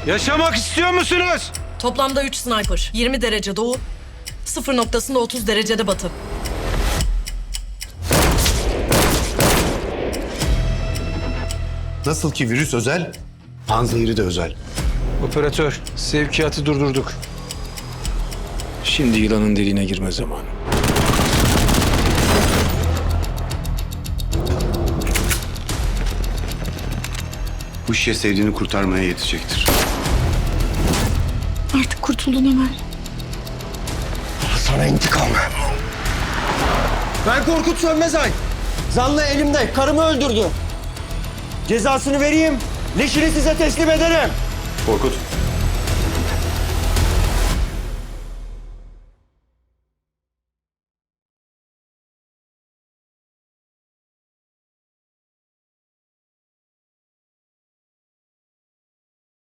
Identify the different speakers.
Speaker 1: Yaşamak istiyor musunuz?
Speaker 2: Toplamda 3 sniper. 20 derece doğu, 0 noktasında 30 derecede batı.
Speaker 3: Nasıl ki virüs özel, panzehiri de özel.
Speaker 1: Operatör, sevkiyatı durdurduk. Şimdi yılanın deliğine girme zamanı.
Speaker 3: Bu şişe sevdiğini kurtarmaya yetecektir.
Speaker 4: Artık kurtuldun Ömer.
Speaker 5: Sana intikam. Ben Korkut Sönmezay. Zanlı elimde. Karımı öldürdü. Cezasını vereyim. Leşini size teslim ederim.
Speaker 3: Korkut,